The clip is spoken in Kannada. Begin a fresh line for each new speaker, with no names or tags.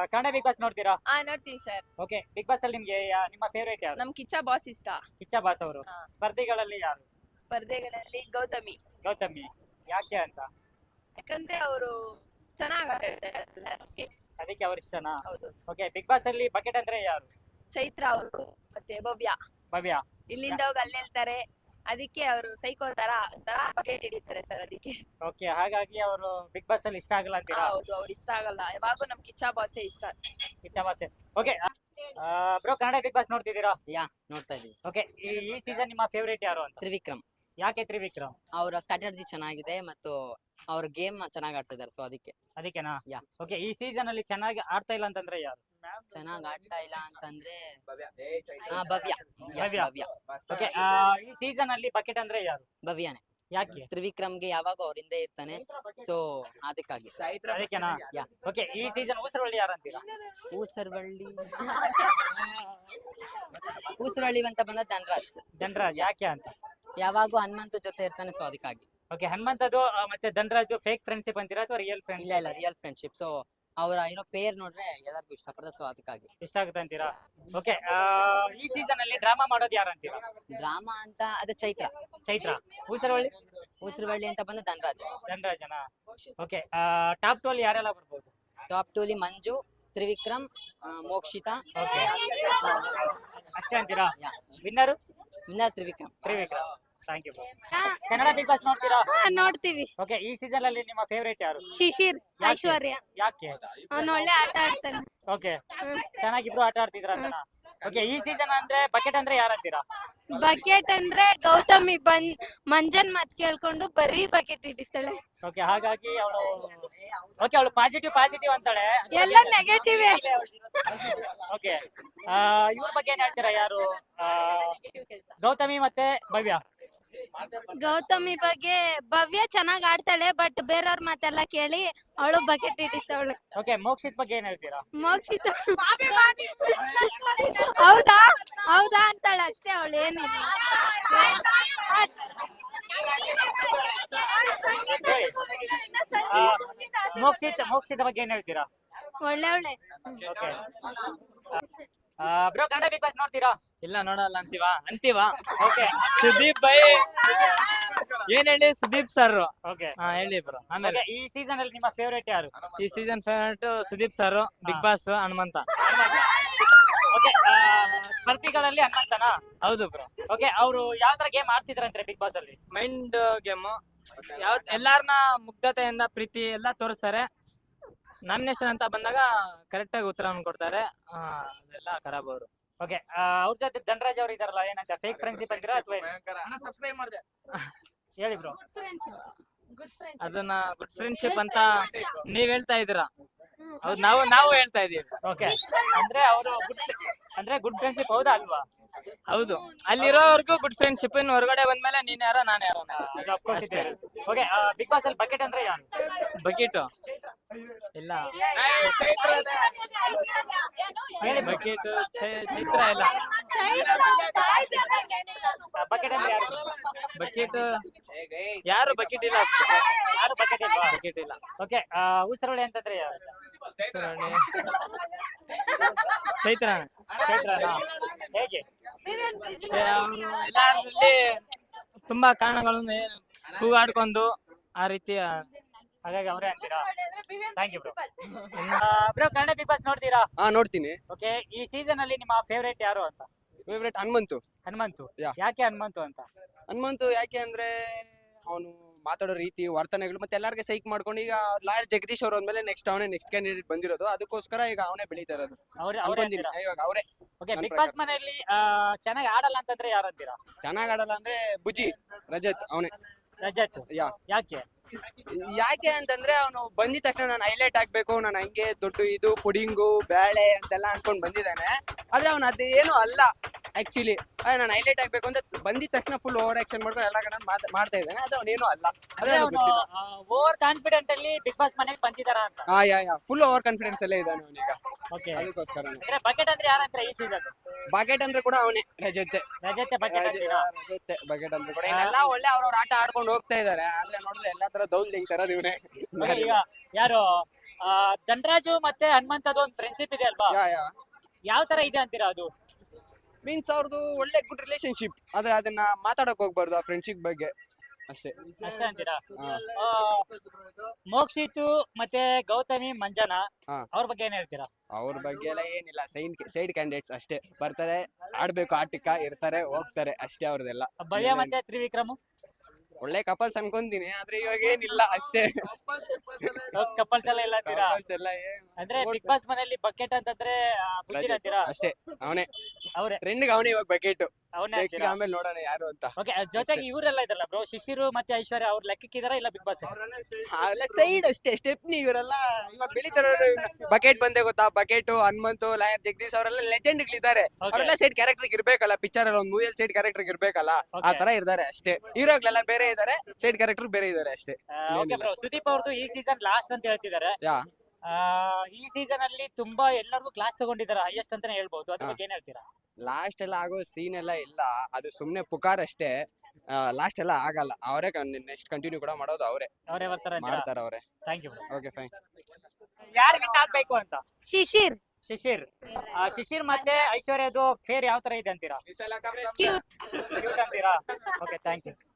ಕನ್ನಡ ಬಿಗ್ ಬಾಸ್ ನೋಡ್ತೀರಾ?
ನೋಡ್ತೀವಿ ಸರ್.
ಓಕೆ, ಬಿಗ್ ಬಾಸ್ ಅಲ್ಲಿ ನಿಮ್ಗೆ ನಿಮ್ಮ ಫೇವರೇಟ್ ಯಾರು?
ನಮ್ ಕಿಚ್ಚ ಬಾಸ್ ಇಷ್ಟ.
ಕಿಚ್ಚ ಬಾಸ್ ಅವರು.
ಹಾ.
ಸ್ಪರ್ಧಿಗಳಲ್ಲಿ ಯಾರು?
ಸ್ಪರ್ಧೆಗಳಲ್ಲಿ ಗೌತಮಿ.
ಗೌತಮಿ. ಯಾಕೆ ಅಂತ?
ಯಾಕಂದ್ರೆ ಅವರು ಚೆನ್ನಾಗಿ ಆಟ ಆಡ್ತಾರೆ ಅದಕ್ಕೆ.
ಅದಕ್ಕೆ ಅವ್ರ ಇಷ್ಟನಾ?
ಹೌದು.
ಓಕೆ, ಬಿಗ್ ಬಾಸ್ ಅಲ್ಲಿ ಬಕೆಟ್ ಅಂದ್ರೆ ಯಾರು?
ಚೈತ್ರ ಅವರು ಮತ್ತೆ ಭವ್ಯ.
ಭವ್ಯ.
ಇಲ್ಲಿಂದ ಹೋಗಿ ಅಲ್ಲಿ ಹೇಳ್ತಾರೆ, ಅದಕ್ಕೆ ಅವರು ಸೈಕೋ ತರ ಬಕೆಟ್ ಹಿಡಿತಾರೆ ಸರ್ ಅದಕ್ಕೆ.
ಓಕೆ, ಹಾಗಾಗಿ ಅವರು ಬಿಗ್ ಬಾಸ್ ಅಲ್ಲಿ ಇಷ್ಟ ಆಗಲ್ಲ ಅಂತೀರಾ?
ಹೌದು, ಅವ್ರು ಇಷ್ಟ ಆಗಲ್ಲ. ಯಾವಾಗೂ ನಮ್ ಕಿಚ್ಚ ಬಾಸೇ ಇಷ್ಟ.
Kichcha boss. Okay bro, Kannada big boss ನೋಡ್ತಿದ್ದೀರಾ?
ನೋಡ್ತಾ ಇದೀವಿ.
ಓಕೆ, ಈ ಸೀಸನ್ ನಿಮ್ಮ ಫೇವರೇಟ್ ಯಾರು ಅಂತ?
ತ್ರಿವಿಕ್ರಮ್.
ಯಾಕೆ ತ್ರಿವಿಕ್ರಮ್?
ಅವರ ಸ್ಟ್ರಾಟಜಿ ಚೆನ್ನಾಗಿದೆ ಮತ್ತು ಅವ್ರ ಗೇಮ್ ಚೆನ್ನಾಗಿ ಆಡ್ತಾ ಇದಾರೆ, ಸೊ
ಅದಕ್ಕೆನಾ?
ಯಾ.
ಓಕೆ, ಈ ಸೀಸನ್ ಅಲ್ಲಿ ಚೆನ್ನಾಗಿ ಆಡ್ತಾ ಇಲ್ಲ ಅಂತಂದ್ರೆ ಯಾರು?
ಚೆನ್ನಾಗಿ ಆಡ್ತಾ ಇಲ್ಲ ಅಂತಂದ್ರೆ ಭವ್ಯ.
ಭವ್ಯ.
ಭವ್ಯ.
ಓಕೆ, ಈ ಸೀಸನ್ ಅಲ್ಲಿ ಬಕೆಟ್ ಅಂದ್ರೆ ಯಾರು?
ಭವ್ಯನೇ.
ಯಾಕೆ?
ತ್ರಿವಿಕ್ರಮ್ಗೆ ಯಾವಾಗ ಅವ್ರ ಹಿಂದೆ ಇರ್ತಾನೆ, ಸೊ ಅದಕ್ಕಾಗಿ.
ಅದಕ್ಕೆನಾ?
ಯಾ.
ಓಕೆ, ಈ ಸೀಸನ್ ಊಸರವಳ್ಳಿ ಯಾರು ಅಂತೀರಾ?
ಊಸರವಳ್ಳಿ ಅಂತ ಬಂದ ಧನರಾಜ್.
ಧನರಾಜ್. ಯಾಕೆ ಅಂತ?
ಯಾವಾಗೂ ಹನುಮಂತು ಜೊತೆ ಇರ್ತಾನೆ, ಸೊ ಅದಕ್ಕಾಗಿ.
ಓಕೆ, ಹನುಮಂತದು ಮತ್ತೆ ಧನರಾಜ್ ಫೇಕ್ ಫ್ರೆಂಡ್ಶಿಪ್ ಅಂತೀರಾ ಅಥವಾ ರಿಯಲ್ ಫ್ರೆಂಡ್ಸ್?
ಇಲ್ಲ ರಿಯಲ್ ಫ್ರೆಂಡ್ಶಿಪ್. ಸೊ ಅವರ ಏನೋ ಪೇರ್ ನೋಡ್ರೆ ಎಲ್ಲರಿಗೂ ಇಷ್ಟಪಡ್ತಾರೆ, ಸೊ ಅದಕ್ಕಾಗಿ.
ಇಷ್ಟ ಆಗುತ್ತೆ ಅಂತೀರಾ? ಓಕೆ, ಈ ಸೀಸನ್ ಅಲ್ಲಿ ಡ್ರಾಮಾ ಮಾಡೋದು ಯಾರು ಅಂತೀರಾ?
ಡ್ರಾಮಾ ಅಂತ ಅದು ಚೈತ್ರ.
ಚೈತ್ರ. ಊಸರವಳ್ಳಿ
ಊಸರವಳ್ಳಿ ಅಂತ ಬಂದ ಧನರಾಜ್.
ಧನರಾಜನಾ? ಓಕೆ, ಟಾಪ್ 2 ಅಲ್ಲಿ ಯಾರೆಲ್ಲ ಬರ್ಬೋದು?
ಟಾಪ್ 2 ಅಲ್ಲಿ ಮಂಜು, ತ್ರಿವಿಕ್ರಮ್, ಮೋಕ್ಷಿತಾ.
ಓಕೆ, ಅಷ್ಟೇ ಅಂತೀರಾ? Winner
winner Trivikram.
Trivikram. Thank you. Kannada big boss ನೋಡ್ತೀರಾ?
ನೋಡ್ತೀವಿ.
ಓಕೆ, ಈ ಸೀಸನ್ ಅಲ್ಲಿ ನಿಮ್ಮ ಫೇವರೇಟ್ ಯಾರು?
ಶಿಶಿರ್.
ಯಾಕೆ?
ಐಶ್ವರ್ಯ.
ಯಾಕೆ?
ಅವ್ನು ಒಳ್ಳೆ ಆಟ ಆಡ್ತಾನೆ.
ಓಕೆ, ಚೆನ್ನಾಗಿಬ್ರು ಆಟ ಆಡ್ತಿದ್ರ ಅಂತನಾ? ಓಕೆ, ಈ ಸೀಸನ್ ಅಂದ್ರೆ ಬಕೆಟ್ ಅಂದ್ರೆ ಯಾರು ಅಂತೀರಾ?
ಬಕೆಟ್ ಅಂದ್ರೆ ಗೌತಮಿ ಮಂಜನ್ ಮಾತ್ ಕೇಳ್ಕೊಂಡು ಬರೀ ಬಕೆಟ್ ಹಿಡಿತಾಳೆ.
ಓಕೆ, ಹಾಗಾಗಿ ಅವಳು ಪಾಸಿಟಿವ್ ಅಂತಾಳೆ.
ಎಲ್ಲ ನೆಗೆಟಿವ್.
ಓಕೆ, ಇವ್ರ ಬಗ್ಗೆ ಏನ್ ಹೇಳ್ತೀರಾ? ಯಾರು? ಗೌತಮಿ ಮತ್ತೆ ಭವ್ಯ.
ಗೌತಮಿ ಬಗ್ಗೆ ಭವ್ಯ ಚೆನ್ನಾಗ್ ಆಡ್ತಾಳೆ, ಬಟ್ ಬೇರೆಯವ್ರ ಮಾತೆಲ್ಲ ಕೇಳಿ ಅವಳು ಬಕೆಟ್ ಹಿಡಿತಾವಳು.
ಓಕೆ, ಮೋಕ್ಷಿತ್ ಬಗ್ಗೆ ಏನ್ ಹೇಳ್ತೀರಾ?
ಮೋಕ್ಷಿತ ಹೌದಾ ಹೌದಾ ಅಂತಾಳೆ ಅಷ್ಟೇ, ಅವಳು ಏನಿಲ್ಲ.
ಮೋಕ್ಷಿತ ಬಗ್ಗೆ ಏನ್ ಹೇಳ್ತೀರಾ?
ಒಳ್ಳೆ
okay, bro, Kannada big boss ನೋಡ್ತೀರಾ?
ಇಲ್ಲ, ನೋಡಲ್ಲ ಅಂತೀವಾ.
ಓಕೆ,
ಸುದೀಪ್ ಬೈ ಏನ್ ಹೇಳಿ? ಸುದೀಪ್ ಸರ್.
ಓಕೆ,
ಹೇಳಿ ಬ್ರೋ. ಆಮೇಲೆ
ಈ ಸೀಸನ್ ಅಲ್ಲಿ ನಿಮ್ಮ ಫೇವರೇಟ್ ಯಾರು?
ಈ season favourite Sudeep sir, big boss Hanumantha.
Okay, ಸ್ಪರ್ಧಿಗಳಲ್ಲಿ ಹನುಮಂತನಾ?
ಹೌದು ಬ್ರೋ.
ಓಕೆ, ಅವರು ಯಾವ ತರ ಗೇಮ್ ಆಡ್ತಿದ್ರಂದ್ರೆ ಬಿಗ್ ಬಾಸ್ ಅಲ್ಲಿ?
Mind game. ಎಲ್ಲಾರನ್ನ ಮುಗ್ಧತೆಯಿಂದ ಪ್ರೀತಿ ಎಲ್ಲ ತೋರಿಸ್ತಾರೆ. ನಾಮಿನೇಷನ್ ಅಂತ ಬಂದಾಗ ಕರೆಕ್ಟ್ ಆಗಿ ಉತ್ತರ ಕೊಡ್ತಾರೆ. ಅದೆಲ್ಲ ಖರಾಬ್ ಅವರು.
ಓಕೆ, ಅವ್ರ ಜೊತೆ ಧನರಾಜ್ ಅವ್ರು ಇದಾರಲ್ಲ, ಏನಂತ ಫೇಕ್ ಫ್ರೆಂಡ್ಶಿಪ್ ಅಂತೀರಾ ಅಥವಾ ಹೇಳಿ ಬ್ರೋ?
ಅದನ್ನ ಗುಡ್ ಫ್ರೆಂಡ್ಶಿಪ್ ಅಂತ ನೀವ್ ಹೇಳ್ತಾ ಇದೀರಾ. ಹೌದು, ನಾವು ಹೇಳ್ತಾ ಇದೀವಿ.
ಓಕೆ, ಅಂದ್ರೆ ಅವರು ಗುಡ್ ಫ್ರೆಂಡ್ಶಿಪ್ ಹೌದಾ ಅಲ್ವಾ?
ಹೌದು, ಅಲ್ಲಿರೋವರೆಗೂ ಗುಡ್ ಫ್ರೆಂಡ್ಶಿಪ್. ಇನ್ನು ಹೊರಗಡೆ ಬಂದ್ಮೇಲೆ ನೀನ್ ಯಾರೋ ನಾನು ಯಾರೋ.
ಓಕೆ, ಬಿಗ್ ಬಾಸ್ ಅಲ್ಲಿ ಬಕೆಟ್ ಅಂದ್ರೆ ಯಾರು?
ಬಕೆಟ್ ಇಲ್ಲ. ಬಕೆಟ್ ಚಿತ್ರ ಇಲ್ಲ.
ಬಕೆಟ್ ಅಂದ್ರೆ ಯಾರು?
ಬಕೆಟ್ ಯಾರು ಬಕೆಟ್ ಇಲ್ಲ.
ಯಾರು ಬಕೆಟ್ ಇಲ್ವಾ?
ಬಕೆಟ್ ಇಲ್ಲ.
ಓಕೆ, ಊಸರವಳ್ಳಿ ಅಂತಂದ್ರೆ ಯಾರು?
ಚೈತ್ರ.
ಚೈತ್ರನಾ? ಹೇಗೆ?
ಎಲ್ಲಾರಲ್ಲಿ ತುಂಬಾ ಕಾರಣಗಳನ್ನು ಕೂಗಾಡ್ಕೊಂಡು ಆ ರೀತಿ.
ಹಾಗಾಗಿ ಅವರೇ ಅಂತೀರಾ? Thank you bro. Bro, Kannada big boss ನೋಡ್ತೀರಾ?
ನೋಡ್ತೀನಿ.
ಓಕೆ, ಈ ಸೀಸನ್ ಅಲ್ಲಿ ನಿಮ್ಮ ಫೇವರೇಟ್ ಯಾರು ಅಂತ?
ಫೇವ್ರೇಟ್ ಹನುಮಂತು.
ಹನುಮಂತು.
ಯಾ.
ಯಾಕೆ ಹನುಮಂತು ಅಂತ?
ಹನುಮಂತು ಯಾಕೆ ಅಂದ್ರೆ ಅವನು ಮಾತಾಡೋ ರೀತಿ, ವರ್ತನೆಗಳು ಮತ್ತೆ ಎಲ್ಲಾರ್ಗೆ ಸೈಕ್ ಮಾಡ್ಕೊಂಡು, ಈಗ ಲಾಯರ್ ಜಗದೀಶ್ ಅವ್ರ ಅಂದ್ಮೇಲೆ ನೆಕ್ಸ್ಟ್ ಕ್ಯಾಂಡಿಡೇಟ್ ಬಂದಿರೋದು, ಅದಕ್ಕೋಸ್ಕರ ಈಗ ಅವನೇ ಬೆಳೀತಾ ಇರೋದು.
ಅವರೇ
ಅನ್ಕೊಂತೀನಿ.
ಅಂತೀರಾ?
ಇವಾಗ ಅವರೇ
ಓಕೆ,
ನನ್
ಬಿಗ್ ಬಾಸ್ ಮನೆಯಲ್ಲಿ ಚೆನ್ನಾಗಿ ಆಡಲ್ಲ ಅಂತಂದ್ರೆ ಯಾರು ಅಂತೀರಾ?
ಚೆನ್ನಾಗ್ ಆಡಲ್ಲ ಅಂದ್ರೆ ಬುಜ್ಜಿ ರಜತ್ ಅವನೇ.
ರಜತ್. ಯಾಕೆ?
ಯಾಕೆ ಅಂತಂದ್ರೆ ಅವನು ಬಂದಿದ ತಕ್ಷಣ ನಾನು ಹೈಲೈಟ್ ಆಗ್ಬೇಕು, ನಾನು ಹಂಗೆ ದೊಡ್ಡ ಇದು ಪುಡಿಂಗು ಬೇಳೆ ಅಂತೆಲ್ಲ ಅನ್ಕೊಂಡ್ ಬಂದಿದ್ದಾನೆ. ಆದ್ರೆ ಅವ್ನು ಅದೇನು ಅಲ್ಲ ಆಕ್ಚುಲಿ. ನಾನು ಹೈಲೈಟ್ ಆಗ್ಬೇಕು ಅಂತ ಬಂದಿದ ತಕ್ಷಣ ಫುಲ್ ಓವರ್ ಆಕ್ಷನ್ ಮಾಡ್ಕೊಂಡು ಎಲ್ಲ ಕಡೆ ಮಾಡ್ತಾ ಇದ್ದಾನೆ. ಅದು ಅವನೇನು ಅಲ್ಲ. ಅದೇ
ಓವರ್ ಕಾನ್ಫಿಡೆಂಟ್ ಅಲ್ಲಿ ಬಿಗ್ ಬಾಸ್ ಮನೆಗೆ ಬಂದಿದಾರ ಅಂತ?
ಫುಲ್ ಓವರ್ ಕಾನ್ಫಿಡೆನ್ಸ್ ಅಲ್ಲೇ ಇದ್ದಾನೆ ಅವನೀಗ.
ಓಕೆ,
ಅದಕ್ಕೋಸ್ಕರ
ಬಕೆಟ್ ಅಂದ್ರೆ ಯಾರಂತ ಈ ಸೀಸನ್?
ಬಕೆಟ್ ಅಂದ್ರೆ ಕೂಡ ಅವನೇ, ರಜತೆ.
ರಜತೆ ಬಕೆಟ್ ಅಂತೀರಾ?
ರಜತೆ ಬಕೆಟ್ ಅಂದ್ರೆ ಕೂಡ ಎಲ್ಲ ಒಳ್ಳೆ ಅವ್ರವ್ರ ಆಟ ಆಡ್ಕೊಂಡು ಹೋಗ್ತಾ ಇದಾರೆ. ಆದ್ರೆ ನೋಡಿದ್ರೆ ಎಲ್ಲಾ ತರ ದೌಲ್ ತೆಗಿತಾರ ಇವನೇ.
ಈಗ ಯಾರು ಧನರಾಜು ಮತ್ತೆ ಹನುಮಂತದ್ದು ಒಂದು ಫ್ರೆಂಡ್ಶಿಪ್ ಇದೆ ಅಲ್ವಾ,
ಯಾ
ಯಾವ ತರ ಇದೆ ಅಂತೀರಾ ಅದು?
ಮೀನ್ಸ್ ಅವ್ರದ್ದು ಒಳ್ಳೆ ಗುಡ್ ರಿಲೇಶನ್ಶಿಪ್, ಆದ್ರೆ ಅದನ್ನ ಮಾತಾಡಕ್ ಹೋಗ್ಬಾರ್ದು ಆ ಫ್ರೆಂಡ್ಶಿಪ್ ಬಗ್ಗೆ ಅಷ್ಟೇ.
ಅಷ್ಟೇ ಅಂತೀರಾ?
ಹಾ.
ಮೋಕ್ಷಿತು ಮತ್ತೆ ಗೌತಮಿ ಮಂಜನಾ
ಹಾ.
ಅವ್ರ ಬಗ್ಗೆ ಏನ್ ಹೇಳ್ತೀರಾ?
ಅವ್ರ ಬಗ್ಗೆ ಎಲ್ಲ ಏನಿಲ್ಲ, ಸೈಡ್ ಕ್ಯಾಂಡಿಡೇಟ್ಸ್ ಅಷ್ಟೇ. ಬರ್ತಾರೆ, ಆಡ್ಬೇಕು, ಆಟಕ್ಕ ಇರ್ತಾರೆ, ಹೋಗ್ತಾರೆ ಅಷ್ಟೇ ಅವ್ರದೆಲ್ಲ.
ಭವ್ಯ ಮತ್ತೆ ತ್ರಿವಿಕ್ರಮ್
ಒಳ್ಳೆ ಕಪಲ್ಸ್ ಅನ್ಕೊಂತೀನಿ, ಆದ್ರೆ ಇವಾಗ ಏನಿಲ್ಲ ಅಷ್ಟೇ.
ಕಪಲ್ಸ್ ಎಲ್ಲ ಇಲ್ಲ ಅಂತೀರಾ?
Couples ಎಲ್ಲ
ಅಂದ್ರೆ ಬಿಗ್ ಬಾಸ್ ಮನೆಯಲ್ಲಿ ಬಕೆಟ್ ಅಂತಂದ್ರೆ ಬುಜ್ಜಿನ ಅಂತೀರಾ?
ಅಷ್ಟೇ. ಅವನೇ
ಅವ್ರೆ
ಟ್ರೆಂಡ್ಗೆ ಅವನೇ ಇವಾಗ ಬಕೆಟ್.
ಅವನೇ
ನೆಕ್ಸ್ಟ್
ಅಂತೀರಾ?
ಆಮೇಲೆ ನೋಡೋಣ ಯಾರು ಅಂತ.
ಓಕೆ, ಜೊತೆಗೆ ಇವರೆಲ್ಲ ಇದಾರಲ್ಲ ಬ್ರೋ, ಶಿಶಿರು ಮತ್ತೆ ಐಶ್ವರ್ಯ, ಅವ್ರ ಲೆಕ್ಕಕ್ಕಿದಾರ ಇಲ್ಲ ಬಿಗ್ ಬಾಸ್?
ಅವೆಲ್ಲ ಸೈಡ್ ಅಷ್ಟೇ, ಸ್ಟೆಪ್ನಿ ಇವರೆಲ್ಲ ಇವಾಗ ಬೆಳಿತಾರ. ಬಕೆಟ್ ಬಂದೆ ಗೊತ್ತಾ, ಬಕೆಟ್, ಹನುಮಂತು, ಲಾಯರ್ ಜಗದೀಶ್ ಅವರೆಲ್ಲ ಲೆಜೆಂಡ್ ಗಳಿದ್ದಾರೆ. ಅವರೆಲ್ಲ ಸೈಡ್ ಕ್ಯಾರೆಕ್ಟರ್ ಇರ್ಬೇಕಲ್ಲ, ಪಿಕ್ಚರ್ ಅಲ್ಲಿ ಒಂದು ಮೂವಿಯಲ್ಲಿ ಸೈಡ್ ಕ್ಯಾರೆಕ್ಟರ್ ಇರ್ಬೇಕಲ್ಲ, ಆ
Okay.
ತರ ಇರ್ತಾರೆ ಅಷ್ಟೇ. ಹೀರೋಗಳೆಲ್ಲ ಬೇರೆ ಇದಾರೆ, ಸೈಡ್ ಕ್ಯಾರೆಕ್ಟರ್ ಬೇರೆ ಇದಾರೆ ಅಷ್ಟೇ.
ಓಕೆ ಬ್ರೋ, ಸುದೀಪ್ ಅವ್ರದ್ದು ಈ ಸೀಸನ್ ಲಾಸ್ಟ್ ಅಂತ ಹೇಳ್ತಿದ್ದಾರೆ.
ಯಾ
ಈ ಸೀಸನ್ ಅಲ್ಲಿ ತುಂಬಾ ಎಲ್ಲರಿಗೂ ಕ್ಲಾಸ್ ತಗೊಂಡಿದ್ದಾರೆ, ಹೈಯೆಸ್ಟ್ ಅಂತಾನೆ ಹೇಳ್ಬಹುದು. ಅದ್ರ ಬಗ್ಗೆ ಏನ್ ಹೇಳ್ತೀರಾ?
ಲಾಸ್ಟ್ ಎಲ್ಲ ಆಗೋ ಸೀನ್ ಎಲ್ಲ ಇಲ್ಲ, ಅದು ಸುಮ್ನೆ ಪುಕಾರ್ ಅಷ್ಟೇ. ಲಾಸ್ಟ್ ಎಲ್ಲ ಆಗಲ್ಲ, ಅವರೇ ನೆಕ್ಸ್ಟ್ ಕಂಟಿನ್ಯೂ ಕೂಡ ಮಾಡೋದು ಅವರೇ
ಅವರೇ ಬರ್ತಾರೆ ಅಂತ.
ಮಾಡ್ತಾರ ಅವರೇ.
Thank you bro.
Okay fine.
ಯಾರು ವಿನ್ ಆಗ್ಬೇಕು ಅಂತ?
ಶಿಶಿರ್
ಶಿಶಿರ್. ಶಿಶಿರ್ ಮತ್ತೆ ಐಶ್ವರ್ಯದು ಫೇರ್ ಯಾವ ತರ ಇದೆ ಅಂತೀರಾ?
ಕ್ಯೂಟ್
Cute ಅಂತೀರಾ? Okay, thank you.